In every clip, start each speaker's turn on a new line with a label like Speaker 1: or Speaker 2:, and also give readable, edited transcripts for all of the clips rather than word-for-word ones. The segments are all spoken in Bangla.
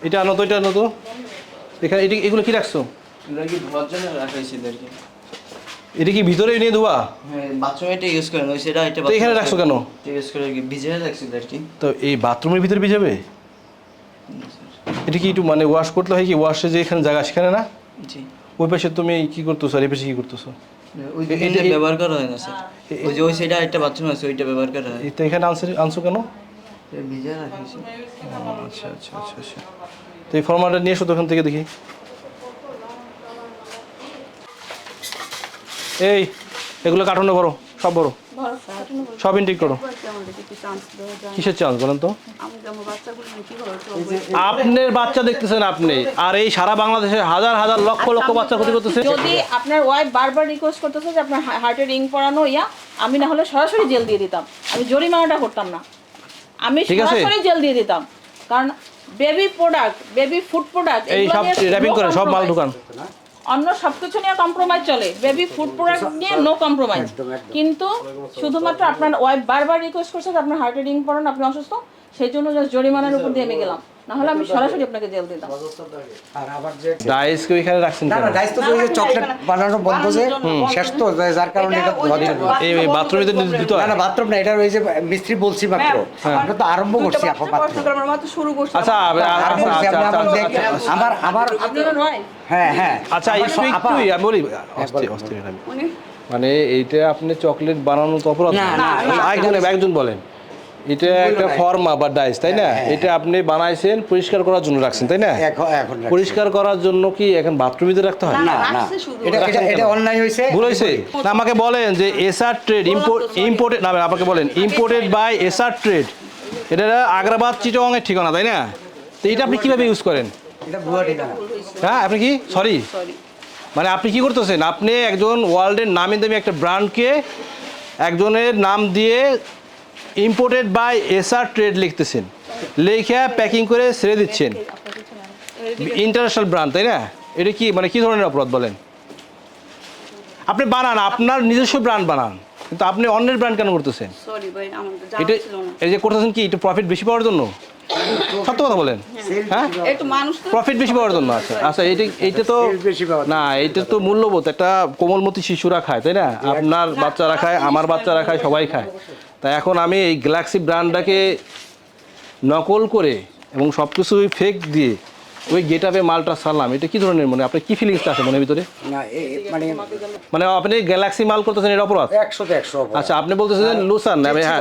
Speaker 1: এটা আনো তো, এটা আনো তো। এখানে এগুলো কি রাখছো? এটা কি ভিতরে নিয়ে ধোয়া?
Speaker 2: হ্যাঁ, বাথরুমে এটা ইউজ করেন, ওই সেটা এটা
Speaker 1: এখানে রাখছো কেন?
Speaker 2: ইউজ করে ভিজে রাখছি আর কি।
Speaker 1: তো এই বাথরুমের ভিতরে ভিজাবে? এটা কি একটু মানে ওয়াশ করতে হয় কি? ওয়াশে যে এখানে জায়গা সেখানে না?
Speaker 2: জি।
Speaker 1: ওই পাশে তুমি কি করতেছো আর এই পাশে কি করতেছো?
Speaker 2: এটা ব্যবহার করা হয় না স্যার, ওই যে ওই সাইডে একটা বাথরুম আছে ওইটা ব্যবহার করা হয়।
Speaker 1: এটা এখানে আনছো কেন?
Speaker 2: ভিজে রাখিছি।
Speaker 1: আচ্ছা আচ্ছা আচ্ছা আচ্ছা। তো এই ফর্মালটা নিয়ে এসো তো ওখান থেকে দেখি। এই এগুলো কার্টুনে করো, সব বড়, সব ইনটেক করো। কিসের চান্স বলেন তো? আপনার বাচ্চা দেখতেছেন আপনি, আর এই সারা বাংলাদেশে হাজার হাজার লক্ষ লক্ষ বাচ্চা ক্ষতি করতেছে।
Speaker 3: যদি আপনার ওয়াইফ বারবার রিকোয়েস্ট করতেছে যে আপনার হার্টে রিং পরানো আমি না হলে সরাসরি জেল দিয়ে দিতাম, আমি জরিমানাটা করতাম না, আমি সরাসরি জেল দিয়ে দিতাম। কারণ baby product, baby food product
Speaker 1: এই সব র‍্যাপিং করে সব মাল দোকান,
Speaker 3: অন্য সবকিছু নিয়ে কম্প্রোমাইজ চলে, বেবি ফুড প্রোডাক্ট নিয়ে নো কম্প্রোমাইজ। কিন্তু শুধুমাত্র আপনার ওয়াইফ বারবার রিকোয়েস্ট করছে যে আপনার হার্টে রিং পরান, আপনি অসুস্থ, সেই জন্য জাস্ট জরিমানার উপর দিয়ে আমি গেলাম, না হলে আমি সরাসরি আপনাকে জেল দিতাম।
Speaker 1: আর আবার যে ডাইস কে এখানে রাখছেন কেন?
Speaker 4: না ডাইস তো ওই যে চকলেট বানানো বন্ধ যে শেষ তো, যার কারণে এটা
Speaker 1: এই বাথরুমে দিতে হয়
Speaker 4: না বাথরুম না, এটা ওই যে মিস্ত্রি বলছি মাত্র, আমরা তো আরম্ভ করছি আপা মাত্র।
Speaker 3: আমরা মাত্র শুরু করছি।
Speaker 1: আচ্ছা
Speaker 4: আমার হ্যাঁ হ্যাঁ
Speaker 1: আচ্ছা স্পিক তুই আমি বলি অস্থির আমি মানে এইটা আপনি চকলেট বানানো তো অপরাধ না, একজন বলেন এটা একটা ফর্মা বা ডাইস তাই না? এটা আপনি বানাইছেন পরিষ্কার করার জন্য রাখছেন তাই না? পরিষ্কার করার জন্য কি এখন বাথরুমে রাখতে হয়?
Speaker 4: না না, এটা অন্যায় হয়েছে,
Speaker 1: ভুল হয়েছে। না আমাকে বলেন যে এসআর ট্রেড ইম্পোর্টেড না, আমাকে বলেন ইম্পোর্টেড বাই এসআর ট্রেড, এটা আগ্রাবাদ চিটাগাং এর ঠিকানা তাই না? তো এটা আপনি কিভাবে ইউজ করেন?
Speaker 4: এটা ভুয়া ঠিকানা।
Speaker 1: হ্যাঁ আপনি কি সরি মানে আপনি কি করতেছেন? আপনি একজন ওয়ার্ল্ডের নামি দামি একটা ব্র্যান্ডকে একজনের নাম দিয়ে ইম্পোর্টেড বাই এসআর ট্রেড লিখতেছেন, লিখে প্যাকিং করে ছেড়ে দিচ্ছেন, ইন্টারন্যাশনাল ব্র্যান্ড তাই না? এটা কি মানে কি ধরনের অপরাধ বলেন? আপনি বানান, আপনার নিজস্ব ব্র্যান্ড বানান, কিন্তু আপনি অন্যের ব্র্যান্ড কেন করতেছেন? এটা এই যে করতেছেন কি একটু প্রফিট বেশি পাওয়ার জন্য? সত্য কথা বলেন, হ্যাঁ প্রফিট বেশি পাওয়ার জন্য। আচ্ছা আচ্ছা এইটা তো না, এইটা তো মূল্যবোধ, একটা কোমলমতি শিশুরা খায় তাই না? আপনার বাচ্চারা খায়, আমার বাচ্চারা খায়, সবাই খায়। তাই এখন আমি এই গ্যালাক্সি ব্র্যান্ডটাকে নকল করে এবং সব কিছুই ফেক দিয়ে ওই গেটআপে মালটা সারলাম, এটা কি ধরনের মনে আপনার কি ফিলিংসটা আছে মনের ভিতরে?
Speaker 4: না মানে
Speaker 1: মানে আপনি গ্যালাক্সি মাল করতেছেন এটা অপরাধ?
Speaker 4: 100
Speaker 1: আচ্ছা আপনি বলতেছেন লুসান,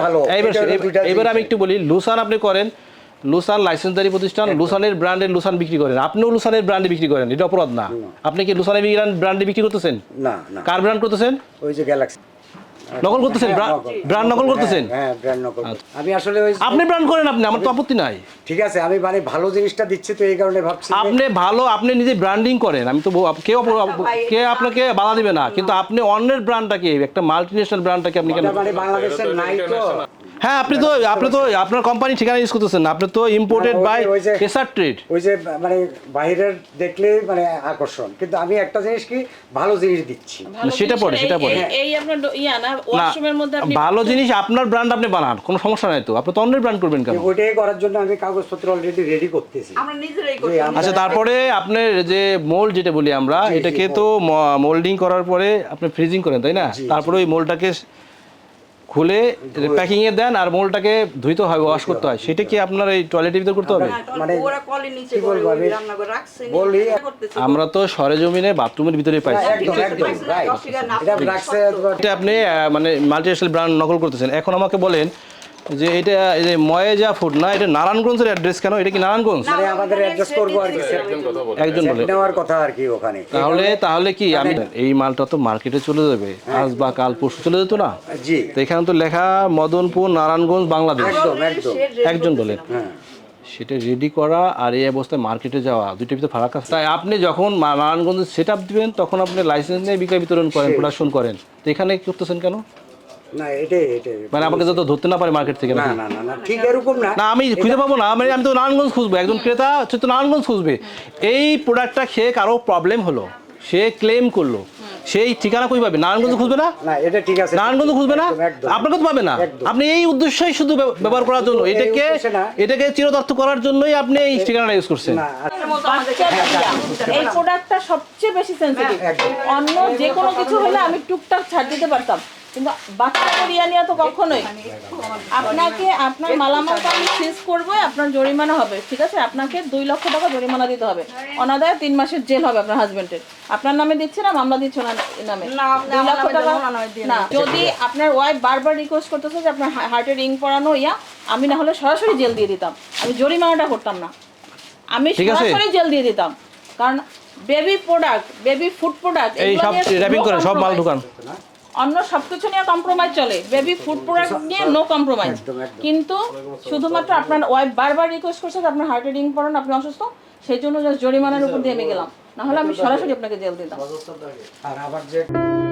Speaker 1: এবার আমি একটু বলি, লুসান আপনি করেন, লুসান লাইসেন্সদারি প্রতিষ্ঠান, লুসানের ব্র্যান্ডের লুসান বিক্রি করেন, আপনিও লুসানের ব্র্যান্ডে বিক্রি করেন, এটা অপরাধ না? আপনি কি লুসানের ব্র্যান্ডে বিক্রি করতেছেন?
Speaker 4: না না,
Speaker 1: কার ব্র্যান্ড করতেছেন?
Speaker 4: ওই যে গ্যালাক্সি
Speaker 1: নকল করতেছেন, ব্র্যান্ড নকল করতেছেন।
Speaker 4: হ্যাঁ ব্র্যান্ড নকল। আমি আসলে ওই
Speaker 1: আপনি ব্র্যান্ড করেন, আপনি, আমার তো আপত্তি নাই,
Speaker 4: ঠিক আছে, আমি মানে ভালো জিনিসটা দিচ্ছি তো এই কারণে ভাবছি
Speaker 1: আপনি ভালো, আপনি নিজে ব্র্যান্ডিং করেন, আমি তো কে আপনাকে বাধা দিবে না, কিন্তু আপনি অন্যের ব্র্যান্ডটাকে, একটা মাল্টিনেশনাল ব্র্যান্ডটাকে আপনি কেন?
Speaker 4: মানে বাংলাদেশের নাই তো।
Speaker 1: হ্যাঁ আপনি তো আপনার কোম্পানি ঠিকানা ইউজ করতেছেন না, আপনি তো ইম্পোর্টেড বাই এসআর ট্রেড।
Speaker 4: ওই যে মানে বাইরের দেখলে মানে আকর্ষণ, কিন্তু আমি একটা জিনিস কি ভালো জিনিস দিচ্ছি,
Speaker 1: সেটা পড়ে
Speaker 3: এই আপনার না ওয়াশরুমের মধ্যে আপনি
Speaker 1: ভালো জিনিস আপনার ব্র্যান্ড আপনি বানান, কোনো সমস্যা নাই তো, আপনি তো অন্যের ব্র্যান্ড করবেন কেন?
Speaker 4: ওইটাই করার জন্য আমি কাগজপত্র অলরেডি রেডি করতেছি,
Speaker 3: আমরা নিজেরাই করি।
Speaker 1: আচ্ছা তারপরে আপনার যে মোল্ড যেটা বলি আমরা, এটাকে তো মোল্ডিং করার পরে আপনি ফ্রিজিং করেন তাই না? তারপরে ওই মোল্ডটাকে খুলে প্যাকিং এ দেন, আর মোলটাকে ধুইতে হয়, ওয়াশ করতে হয়, সেটা কি আপনার এই টয়লেটের ভিতর করতে হবে?
Speaker 4: মানে
Speaker 3: ওরা কলের নিচে করে রান্না করে রাখছে,
Speaker 4: বলি
Speaker 1: আমরা তো সরেজমিনে বাথরুমের ভিতরে পাইছি,
Speaker 4: একদম রাইট, এটা রাখছে।
Speaker 1: এটা আপনি মানে মাল্টিনেশনাল ব্র্যান্ড নকল করতেছেন। এখন আমাকে বলেন যে এটা এই যে ময়েজা ফুড না, এটা নারায়ণগঞ্জের অ্যাড্রেস কেন? এটা কি নারায়ণগঞ্জ?
Speaker 4: মানে আমাদের অ্যাড্রেস করব আর কি,
Speaker 1: একজন বলে
Speaker 4: নেওয়ার কথা আর কি ওখানে।
Speaker 1: তাহলে কি আমি এই মালটা তো মার্কেটে চলে যাবে আজ বা কাল পরশু, চলে যেত না?
Speaker 4: জি,
Speaker 1: তো এখানে তো লেখা মদনপুর নারায়ণগঞ্জ বাংলাদেশ,
Speaker 4: একদম একদম
Speaker 1: একজন বলেন। সেটা রেডি করা আর এই অবস্থায় মার্কেটে যাওয়া, দুইটার ভিতরে ফারাক আছে। তাই আপনি যখন নারায়ণগঞ্জে সেট আপ দিবেন তখন আপনি লাইসেন্স নিয়ে বিক্রয় বিতরণ করেন, প্রোডাকশন করেন, তো এখানে কি করতেছেন কেন?
Speaker 4: না এটাই
Speaker 1: মানে আমাকে যত ধরতে না পারে মার্কেট থেকে,
Speaker 4: না না না ঠিক এরকম না,
Speaker 1: না আমি খুঁজে পাবো না, আমি তো নারায়ণগঞ্জ খুঁজবো, একজন ক্রেতা সে তো নারায়ণগঞ্জ খুঁজবে। এই প্রোডাক্টটা খেয়ে কারো প্রবলেম হলো, সে ক্লেম করলো, সেই ঠিকানা কই পাবে? নারায়ণগঞ্জ খুঁজবে না?
Speaker 4: না এটা ঠিক আছে,
Speaker 1: নারায়ণগঞ্জ খুঁজবে না?
Speaker 4: একদম, একদম।
Speaker 1: আপনাকে তো পাবে না।
Speaker 4: একদম।
Speaker 1: আপনি এই উদ্দেশ্যই শুধু ব্যবহার করার জন্য,
Speaker 4: এই
Speaker 1: এটাকে
Speaker 4: উদ্দেশ্যে না।
Speaker 1: এটাকে চিরদার্থ করার জন্যই আপনি এই ঠিকানাটা ইউজ করছেন।
Speaker 4: না
Speaker 3: বাচ্চার দিয়া। এই প্রোডাক্টটা সবচেয়ে বেশি সেনসিটিভ। অন্য যে কোনো কিছু হলে আমি টুকটাক ছাড় দিতে পারতাম, কিন্তু বাচ্চা বিরিয়ানি তো কখনোই। আপনাকে আপনার মালামালটা আমি সিজ করবো, আপনার জরিমানা হবে, ঠিক আছে? আপনাকে 2 লক্ষ টাকা জরিমানা দিতে হবে, অনাদায়ে 3 মাসের জেল হবে আপনার হাজবেন্ডের। আপনার নামে দিচ্ছে না, মামলা দিচ্ছে না নামে 2 লক্ষ টাকা না। যদি আপনার ওয়াইফ বারবার রিকোয়েস্ট করতেছে যে আপনার হার্টে রিং পরানো আমি না হলে সরাসরি জেল দিয়ে দিতাম, আমি জরিমানাটা করতাম না, আমি
Speaker 1: ঠিক আছে।
Speaker 3: সরাসরি জেল দিয়ে দিতাম। কারণ baby product, baby food product,
Speaker 1: এই সব র্যাপিং করেন, সব মাল ঢুকান।
Speaker 3: অন্য সবকিছু নিয়ে কম্প্রোমাইজ চলে, বেবি ফুড প্রোডাক্ট নিয়ে নো কম্প্রোমাইজ। কিন্তু শুধুমাত্র আপনার ওয়াইফ বারবার রিকোয়েস্ট করছে যে আপনার হার্টে রিং পরান, আপনি অসুস্থ, সেই জন্য জাস্ট জরিমানার উপর দিয়ে আমি গেলাম, না হলে আমি সরাসরি আপনাকে জেল দিতাম।
Speaker 4: আর আবার যে